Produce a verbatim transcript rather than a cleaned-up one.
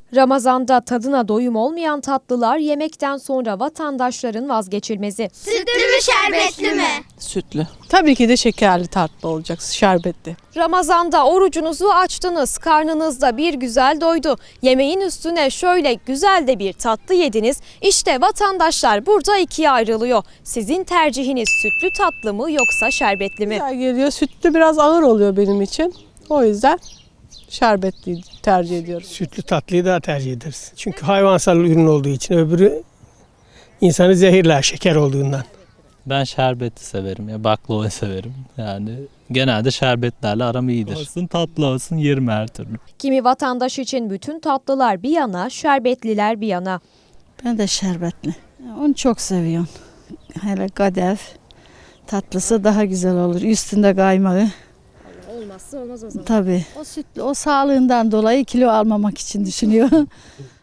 Ramazanda tadına doyum olmayan tatlılar yemekten sonra vatandaşların vazgeçilmezi. Sütlü mü şerbetli mi? Sütlü. Tabii ki de şekerli tatlı olacak, şerbetli. Ramazanda orucunuzu açtınız, karnınızda bir güzel doydu. Yemeğin üstüne şöyle güzel de bir tatlı yediniz. İşte vatandaşlar burada ikiye ayrılıyor. Sizin tercihiniz sütlü tatlı mı yoksa şerbetli mi? Güzel geliyor. Sütlü biraz ağır oluyor benim için. O yüzden şerbetli tercih ediyorum. Sütlü tatlıyı daha tercih ederiz. Çünkü hayvansal ürün olduğu için, öbürü insanı zehirler şeker olduğundan. Ben şerbeti severim ya baklava severim. Yani genelde şerbetlerle aram iyidir. Olsun tatlı olsun yerim her türlü. Kimi vatandaş için bütün tatlılar bir yana, şerbetliler bir yana. Ben de şerbetli. Onu çok seviyorum. Hele kadayıf tatlısı daha güzel olur. Üstünde kaymağı. Olmazsa olmaz o zaman. Tabii. O sütlü, o sağlığından dolayı kilo almamak için düşünüyor.